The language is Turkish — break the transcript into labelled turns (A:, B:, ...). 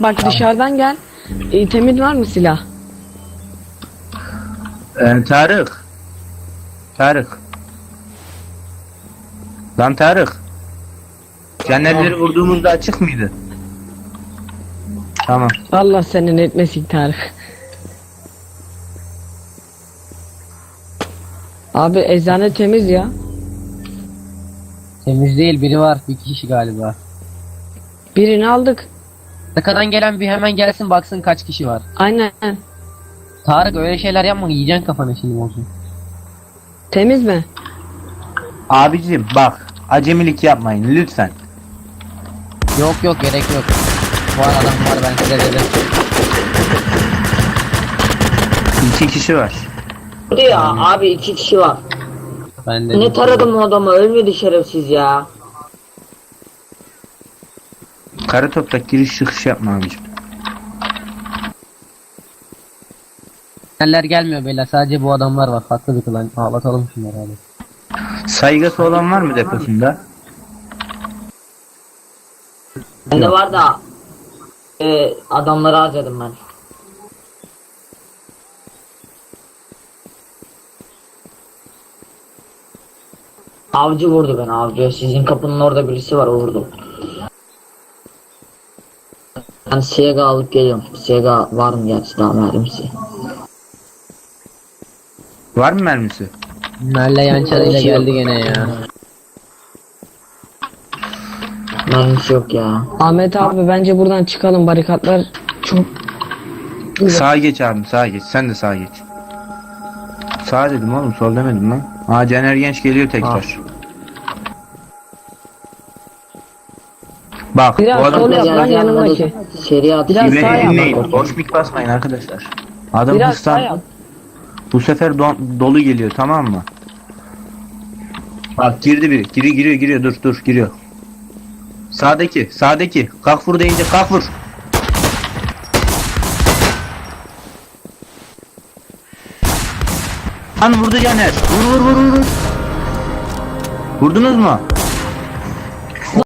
A: bak dışarıdan gel. Temin var mı silah?
B: Tarık. Tarık. Lan Tarık. Canerleri vurduğumuzda açık mıydı? Tamam.
A: Allah senin etmesin Tarık. Abi eczane temiz ya.
C: Temiz değil, biri var, bir kişi galiba.
A: Birini aldık.
C: Arkadan gelen bir hemen gelsin baksın kaç kişi var.
A: Aynen.
C: Tarık öyle şeyler yapma, yiyeceksin kafanı şimdi olsun.
A: Temiz mi?
B: Abicim bak. Acemilik yapmayın lütfen.
C: Yok yok, gerek yok. Bu adam var, ben size dedim.
B: 2 kişi var.
D: Hadi ya abi 2 kişi var.
C: Ben dedim.
D: Ne taradım o adamı, ölmedi şerefsiz ya.
B: Kara toprak giriş çıkış yapma abicim.
C: Neler gelmiyor beyler, sadece bu adamlar var. Farklı bir klan. Ağlatalım şunları abi.
B: Saygısı olan var mı deposunda?
D: Bende var da adamları harcadım ben. Avcı vurdu beni, avcı. Sizin kapının orada birisi var, o vurdu. Ben Sega alıp geliyorum. Sega var mı gerçi, daha mermisi?
B: Var mı mermisi?
C: Merle yançarıyla geldi gene ya.
D: Mermisi yok ya.
A: Ahmet abi bence buradan çıkalım, barikatlar çok...
B: Sağa geç abi, sağa geç. Sen de sağa geç. Sağ dedim oğlum, sol demedim lan. Aa, Caner Genç geliyor tekrar. Bak
A: Biraz
B: o adam
A: sol yap lan yanımdaki.
D: Seri at.
A: Biraz
B: Beni
A: sağ yap.
B: dinleyin. Boş mik basmayın arkadaşlar. Adam
A: Biraz sağ
B: hırslan.
A: yap.
B: Bu sefer dolu geliyor, tamam mı? Bak girdi biri. Giriyor. Dur giriyor. Sağdaki. Kalk vur deyince kalk vur. Lan vurdu Caner. Vur. Vurdunuz mu?